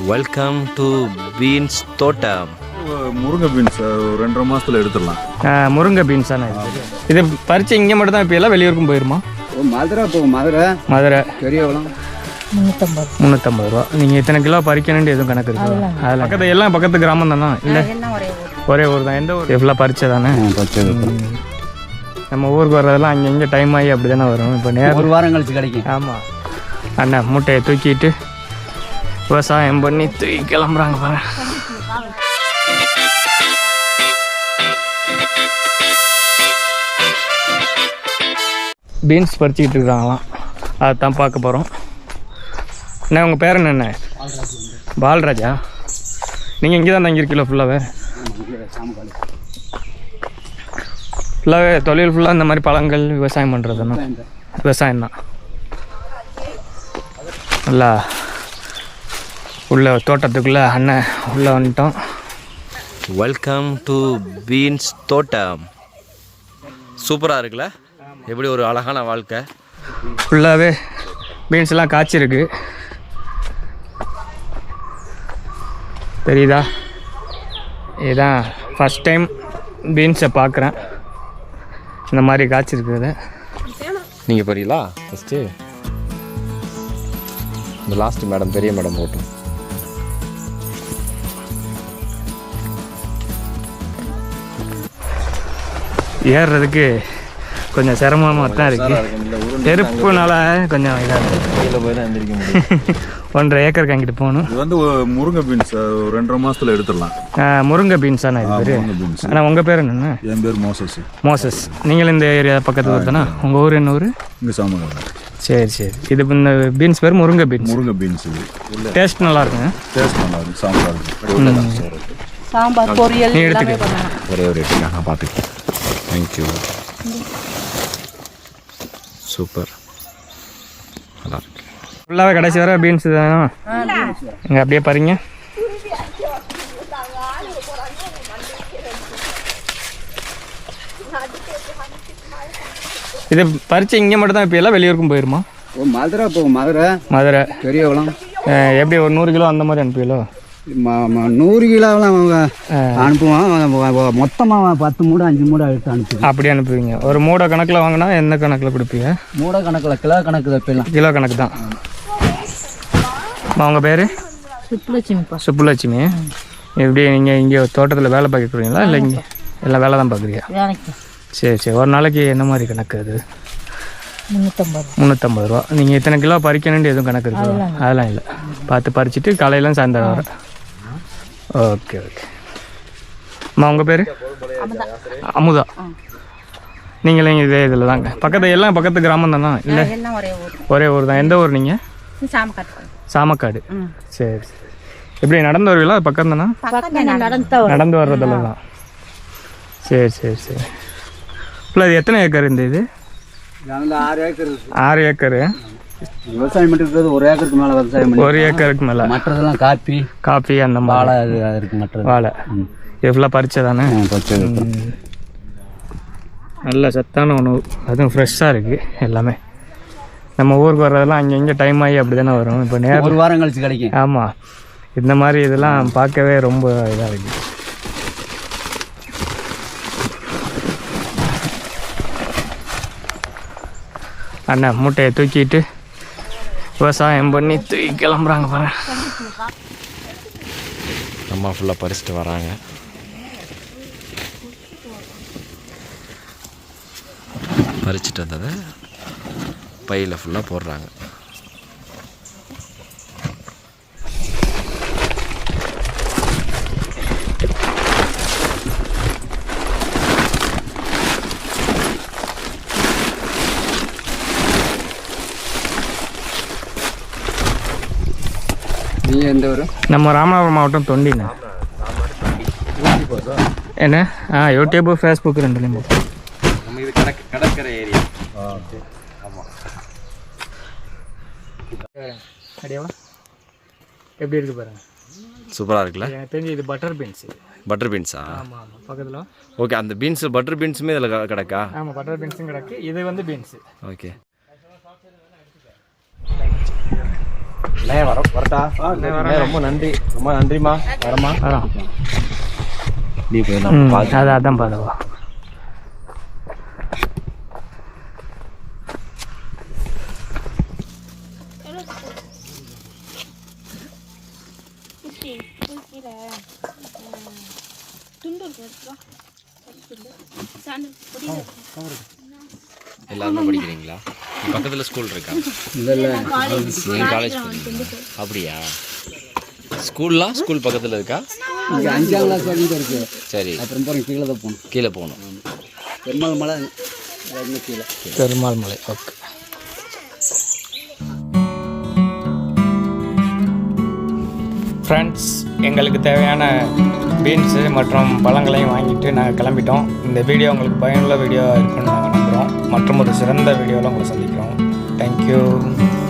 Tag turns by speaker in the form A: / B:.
A: Welcome to beans தோட்டம்.
B: முருங்கை beans 2.5 மாதத்தில் எடுத்துடலாம்.
C: முருங்கை பீன்ஸாண்ணா இது பறித்து இங்கே மட்டும் தான் இப்போ எல்லாம் வெளியூருக்கும் போயிருமா?
D: மதுரை போகும். மதுரை பெரியவளம்
C: 350 ரூபா. நீங்கள் இத்தனை கிலோ பறிக்கணுன்ட்டு எதுவும் கணக்கு இருக்குது? அதில் பக்கத்து எல்லாம் பக்கத்து கிராமம் தானா? இல்லை ஒரே ஊர் தான். எந்த ஊர்? எவ்வளோ பறிச்சதானே? நம்ம ஊருக்கு வர்றதெல்லாம் அங்கே இங்கே டைம் ஆகி அப்படி தானே வரும். இப்போ நேரம்
D: 1 வாரம் கழிச்சு கிடைக்கும்.
C: ஆமாம் அண்ணா மூட்டையை தூக்கிட்டு விவசாயம் பண்ணி தூக்கி கிளம்புறாங்க பாரு. பீன்ஸ் பறிச்சிக்கிட்டு இருக்கிறாங்களாம், அதை தான் பார்க்க போகிறோம். அண்ணா உங்கள் பேர் என்ன? பால்ராஜா. நீங்கள் இங்கே தான் தங்கியிருக்கீங்களோ? ஃபுல்லாகவே தொழில் ஃபுல்லாக இந்த மாதிரி பழங்கள் விவசாயம் பண்ணுறதுன்னா விவசாயம் தான். நல்லா உள்ள தோட்டத்துக்குள்ளே அண்ணன் உள்ளே வந்துட்டோம்.
A: வெல்கம் டு பீன்ஸ் தோட்டம். சூப்பராக இருக்குல்ல? எப்படி ஒரு அழகான வாழ்க்கை.
C: ஃபுல்லாகவே பீன்ஸ்லாம் காய்ச்சிருக்கு, தெரியுதா? இதுதான் ஃபஸ்ட் டைம் பீன்ஸை பார்க்குறேன் இந்த மாதிரி காய்ச்சிருக்குது.
A: நீங்கள் போறீங்களா? ஃபஸ்ட்டு இந்த லாஸ்ட் மேடம், பெரிய மேடம் போட்டோம்.
C: ஏறுறதுக்கு கொஞ்சம் சிரமமாக தான் இருக்குது. நெருப்புனால கொஞ்சம் இதாக
B: கையில் போய் தான் எந்திரிக்க முடியும்.
C: 1.5 ஏக்கருக்கு அங்கிட்டு போகணும்.
B: இது வந்து முருங்கை பீன்ஸ் 2.5 மாதத்தில் எடுத்துடலாம்.
C: முருங்கை பீன்ஸாண்ணா இது பேர்?
B: முருங்கை பீன்ஸ்.
C: ஆனால் உங்கள் பேர் என்னென்ன?
B: என் பேர் மோசஸ்.
C: மோசஸ். நீங்கள் இந்த ஏரியா பக்கத்து ஊர் தானே? உங்கள் ஊர் என்ன ஊர்?
B: இங்கே சாமக்காடு.
C: சரி சரி. இது இந்த பீன்ஸ் பேர் முருங்கை பீன்ஸ்.
B: முருங்கை பீன்ஸ் இது
C: டேஸ்ட் நல்லா இருக்குங்க.
B: டேஸ்ட் நல்லா இருக்கும்.
E: சாம்பார் பொரியல்
C: நீ எடுத்துக்க.
A: ஒரே ஒரு ரேட்டு நான் பார்த்துக்கிறேன். தேங்க்யூ. சூப்பர், நல்லா இருக்கு.
C: ஃபுல்லாகவே கடைசி வர பீன்ஸ் தானே? இங்கே அப்படியே பாருங்க. இது பறித்து இங்கே மட்டும் தான் இப்போ எல்லாம் வெளியூருக்கும் போயிருமா?
D: மதுரை போகும். மதுரை பெரியவளம்.
C: எப்படி ஒரு 100 கிலோ அந்த மாதிரி அனுப்பிலோ?
D: 100 கிலோவெலாம் அவங்க அனுப்புவான். மொத்தமாக 10 மூடை 5 மூடை எடுத்து அனுப்புவோம்.
C: அப்படி அனுப்புவீங்க? ஒரு மூடை கணக்கில் வாங்கினா எந்த கணக்கில் கொடுப்பீங்க?
D: மூடை கணக்கில், கிலோ கணக்கு வைப்பலாம்.
C: கிலோ கணக்கு தான். உங்கள் பேர்?
E: சுப்புலட்சுமிப்பா.
C: சுப்புலட்சுமி. எப்படி நீங்கள் இங்கே தோட்டத்தில் வேலை பார்க்குறீங்களா இல்லை இங்கே எல்லாம் வேலை தான் பார்க்குறீங்க? சரி சரி. ஒரு நாளைக்கு என்ன மாதிரி கணக்கு அது? 350 ரூபா. நீங்கள் இத்தனை கிலோ பறிக்கணுன்ட்டு எதுவும் கணக்கு இருக்குது? அதெல்லாம் இல்லை, பார்த்து பறிச்சுட்டு காலையிலாம் சாயந்தரம் வர. Okay okay. அம்மா உங்கள் பேர்? அமுதா. நீங்களும் இதே இதில் தாங்க? பக்கத்து எல்லாம் பக்கத்து கிராமம் தானா? இல்லை ஒரே ஊர் தான். எந்த ஊர் நீங்கள்? சாமக்காடு. சரி சரி. எப்படி நடந்து வருவீங்களா? பக்கம் தானா? நடந்து வர்றதில்ல தான். சரி சரி சரி. இல்லை இது எத்தனை ஏக்கர் இந்த இது?
D: 6 ஏக்கர்.
C: 6 ஏக்கரு
D: விவசாயம் பண்ணிருக்கிறது. 1 ஏக்கருக்கு மேலே விவசாயம் பண்ணி.
C: 1 ஏக்கருக்கு மேலே.
D: மற்றதெல்லாம் காப்பி
C: அந்த
D: வாழை இருக்கு. மற்ற
C: வாழை எவ்வளோ பறிச்சதானே? நல்ல சத்தான உணவு, அதுவும் ஃப்ரெஷ்ஷாக இருக்குது எல்லாமே. நம்ம ஊருக்கு வர்றதெல்லாம் அங்கே இங்கே டைம் ஆகி அப்படி தானே வரும். இப்போ நேரம்
D: 1 வாரம் கழிச்சு கிடைக்கும்.
C: ஆமாம். இந்த மாதிரி இதெல்லாம் பார்க்கவே ரொம்ப இதாக இருக்குது. அண்ணா மூட்டையை தூக்கிட்டு விவசாயம் பண்ணி தூக்கி கிளம்புறாங்க பாரு.
A: அம்மா ஃபுல்லாக பறிச்சுட்டு வராங்க. பறிச்சுட்டு வந்ததை பையில் ஃபுல்லாக போடுறாங்க.
D: நீங்கள் எந்த ஊர்?
C: நம்ம ராமநாதபுரம் மாவட்டம் தொண்டிண்ணா. என்ன? யூடியூப், ஃபேஸ்புக் ரெண்டுலேயும் போகும்.
A: நம்ம இது கடற்கரை ஏரியா. ஆமாம்.
C: எப்படி இருக்குது பாருங்க.
A: சூப்பராக இருக்குல்ல?
C: எனக்கு தெரிஞ்சு இது பட்டர் பீன்ஸ்.
A: பட்டர் பீன்ஸா?
C: ஆமாம் ஆமாம். பக்கத்தில்
A: ஓகே. அந்த பீன்ஸ் பட்டர் பீன்ஸுமே இதில் கிடக்கா?
C: ஆமாம், பட்டர் பீன்ஸும் கிடக்கு. இது வந்து பீன்ஸு.
A: ஓகே. வரட்டா ரொம்ப நன்றி ரொம்ப நன்றிம்மா வரமா
C: வரோம்
A: நீ போய்
C: அதான் பாதவா
A: எல்லாருமே படிக்கிறீங்களா பக்கத்தில் ஸ்கூல் இருக்கா காலேஜ் அப்படியா ஸ்கூல்லாம் ஸ்கூல் பக்கத்தில் இருக்கா
D: இங்கே 5ஆம் கிளாஸ் வரைக்கும் இருக்கு.
A: சரி
D: அப்புறம் போகிறோம் கீழே தான் போகணும்.
A: கீழே போகணும்
D: பெருமாள் மலை இன்னும் கீழே.
C: பெருமாள் மலை. ஓகே. ஃப்ரெண்ட்ஸ், எங்களுக்கு தேவையான பீன்ஸு மற்றும் பழங்களையும் வாங்கிட்டு நாங்கள் கிளம்பிட்டோம். இந்த வீடியோ உங்களுக்கு பயனுள்ள வீடியோ இருக்குன்னு நாங்கள் நம்புகிறோம். மற்றும் ஒரு சிறந்த வீடியோவில் உங்களை சந்திக்கிறோம். தேங்க்யூ.